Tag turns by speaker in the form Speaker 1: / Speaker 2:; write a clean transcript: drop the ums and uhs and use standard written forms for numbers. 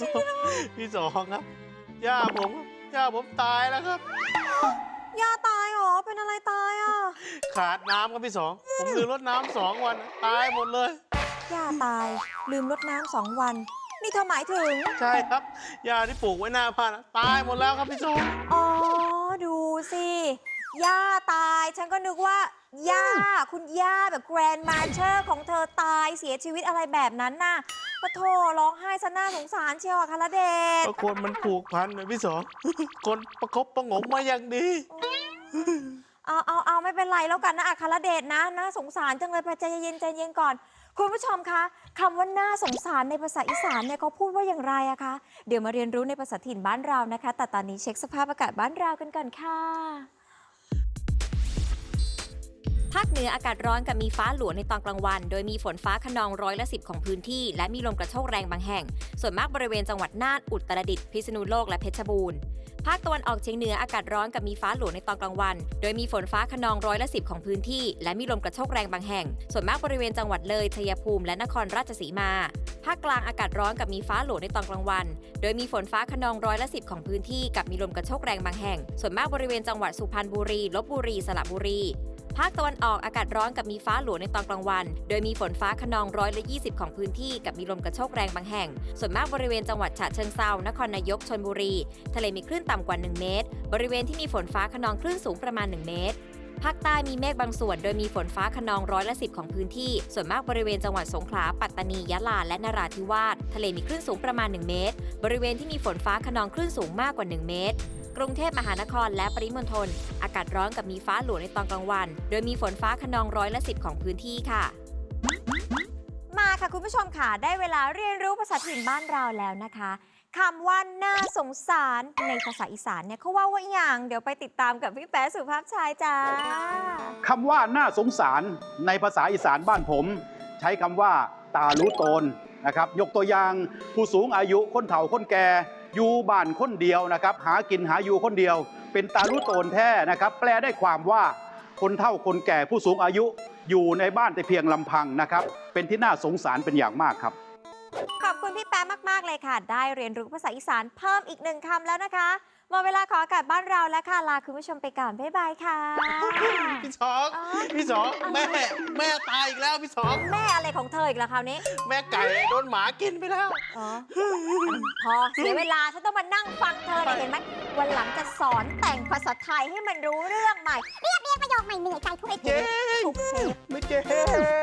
Speaker 1: พี่สองครับย่าผมตายแล้วครับ
Speaker 2: ย่าตายเหรอเป็นอะไรตายอ่ะ
Speaker 1: ขาดน้ำครับพี่สองผมลืมรดน้ำ2 วันตายหมดเลย
Speaker 2: ย่าตายลืมรดน้ำ2 วันนี่เธอหมายถึง
Speaker 1: ใช่ครับยาที่ปลูกไว้หน้าบ้านตายหมดแล้วครับพี่สอง
Speaker 2: อ๋อดูสิย่าตายฉันก็นึกว่าย่าคุณย่าแบบแกรนด์มาเชอร์ของเธอตายเสียชีวิตอะไรแบบนั้นน่ะปะโถร้องไห้ซะน่าสงสารเชียวอะคาราเดช
Speaker 1: ก็คนมันผูกพันนะพี่สอง คนประคบประหงมมาอย่างดี
Speaker 2: เอาไม่เป็นไรแล้วกันนะอัครเดชนะน่าสงสารจังเลยไปใจเย็นก่อน คุณผู้ชมคะคำว่าน่าสงสารในภาษาอีสานเนี่ยเขาพูดว่าอย่างไรอะคะเดี๋ยวมาเรียนรู้ในภาษาถิ่นบ้านเรานะคะแต่ตอนนี้เช็คสภาพอากาศบ้านเรากันก่อนค่ะภาคเหนืออากาศร้อนกับมีฟ้าหลวในตอนกลางวันโดยมีฝนฟ้าคะนอง10%ของพื้นที่และมีลมกระโชกแรงบางแห่งส่วนมากบริเวณจังหวัดน่านอุตรดิตถ์พิษณุโลกและเพชรบูรณ์ภาคตะวันออกเฉียงเหนืออากาศร้อนกับมีฟ้าหลวในตอนกลางวันโดยมีฝนฟ้าคะนอง10%ของพื้นที่และมีลมกระโชกแรงบางแห่งส่วนมากบริเวณจังหวัดเลยชัยภูมิและนครราชสีมาภาคกลางอากาศร้อนกับมีฟ้าหลวในตอนกลางวันโดยมีฝนฟ้าคะนอง10%ของพื้นที่กับมีลมกระโชกแรงบางแห่งส่วนมากบริเวณจังหวัดสุพรรณบุรีลพบุรีสระบุรีภาคตะวันออกอากาศร้อนกับมีฟ้าหลวในตอนกลางวันโดยมีฝนฟ้าคะนอง20%ของพื้นที่กับมีลมกระโชกแรงบางแห่งส่วนมากบริเวณจังหวัดฉะเชิงเทรานครนายกชลบุรีทะเลมีคลื่นต่ำกว่า1เมตรบริเวณที่มีฝนฟ้าคะนองคลื่นสูงประมาณ1เมตรภาคใต้มีเมฆบางส่วนโดยมีฝนฟ้าคะนอง10%ของพื้นที่ส่วนมากบริเวณจังหวัดสงขลาปัตตานียะลาและนราธิวาสทะเลมีคลื่นสูงประมาณ1เมตรบริเวณที่มีฝนฟ้าคะนองคลื่นสูงมากกว่า1เมตรกรุงเทพมหานครและปริมณฑลอากาศร้อนกับมีฟ้าหลวในตอนกลางวันโดยมีฝนฟ้าคะนอง10%ของพื้นที่ค่ะมาค่ะคุณผู้ชมค่ะได้เวลาเรียนรู้ภาษาถิ่นบ้านเราแล้วนะคะคำว่าน่าสงสารในภาษาอีสานเนี่ยเขาว่าอย่างเดี๋ยวไปติดตามกับพี่แป๊ะสุภาพชายจ้า
Speaker 3: คำว่าน่าสงสารในภาษาอีสานบ้านผม ใช้คำว่าตารู้ตนนะครับยกตัวอย่างผู้สูงอายุคนเฒ่าคนแก่อยู่บ้านคนเดียวนะครับหากินหาอยู่คนเดียวเป็นตารู้ตนแท้นะครับแปลได้ความว่าคนเฒ่าคนแก่ผู้สูงอายุอยู่ในบ้านแต่เพียงลำพังนะครับเป็นที่น่าสงสารเป็นอย่างมากครับ
Speaker 2: ขอบคุณพี่แป๊ะมากๆเลยค่ะได้เรียนรู้ภาษาอีสานเพิ่มอีก1 คำแล้วนะคะหมดเวลาขออากาศบ้านเราแล้วค่ะลาคุณผู้ชมไปก่อนบ๊ายบายค่ะ
Speaker 1: พี่สองแม่ตายอีกแล้วพี่สอง
Speaker 2: แม่อะไรของเธออีกล่ะคราวนี้
Speaker 1: แม่ไก่โดนหมากินไปแล้ว
Speaker 2: พอเสียเวลาฉันต้องมานั่งฟังเธอเนี่ยเห็นไหมวันหลังจะสอนแต่งภาษาไทยให้มันรู้เรื่องใหม่เรียกประโยคใหม่เหนื่อยใจทุกเทป
Speaker 1: ไม่เจ๊